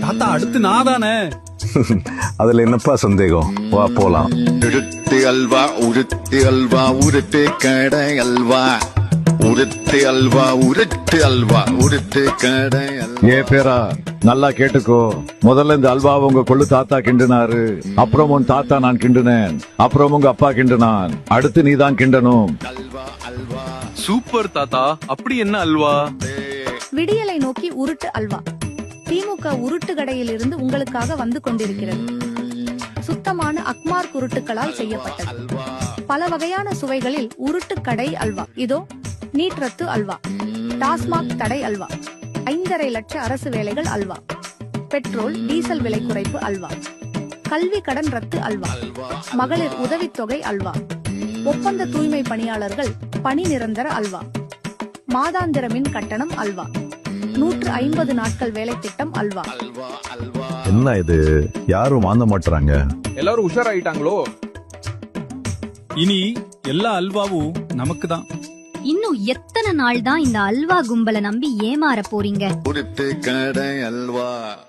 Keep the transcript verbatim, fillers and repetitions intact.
தாத்தா அடுத்து நான் தானே. அதுல என்னப்பா சந்தேகம், வா போலாம். உருட்டு அல்வா உருட்டு அல்வா உருட்டு கடை அல்வா உருட்டு அல்வா உருட்டு அல்வா உருட்டு கடை அல்வா. ஏ பேரா நல்லா கேட்டுக்கோ. முதல்ல இந்த அல்வா உங்க கொள்ளு தாத்தா கிண்டுனாரு, அப்புறம் உன் தாத்தா நான் கிண்டுனேன், அப்புறம் உங்க அப்பா கிண்டுனான், அடுத்து நீ தான் கிண்டனும். சூப்பர் தாத்தா. அப்படி என்ன அல்வா? விடியலை நோக்கி உருட்டு அல்வா. திமுக உருட்டு கடையில் இருந்து உங்களுக்காக வந்து கொண்டிருக்கிறது. சுத்தமான அக்மார் உருட்டுகளால் செய்யப்பட்டது. பல வகையான சுவைகளில் உருட்டு கடை அல்வா. இதோ நீட் ரத்து அல்வா, டாஸ்மாக் தடை அல்வா, ஐந்தரை லட்ச அரசு வேலைகள் அல்வா, பெட்ரோல் டீசல் விலை குறைப்பு அல்வா, கல்வி கடன் ரத்து அல்வா, மகளிர் உதவித்தொகை அல்வா, ஒப்பந்த தூய்மை பணியாளர்கள் பணி நிரந்தர அல்வா, மாதாந்திர மின் கட்டணம் அல்வா, நூற்று ஐம்பது நாட்கள் வேலை திட்டம் அல்வா. என்ன இது, யாரும் வாங்க மாட்டாங்க. எல்லாரும் உஷாராயிட்டாங்களோ? இனி எல்லா அல்வாவும் நமக்கு தான். இன்னும் எத்தனை நாள் தான் இந்த அல்வா கும்பலை நம்பி ஏமாற போறீங்க? உருட்டு கடை அல்வா.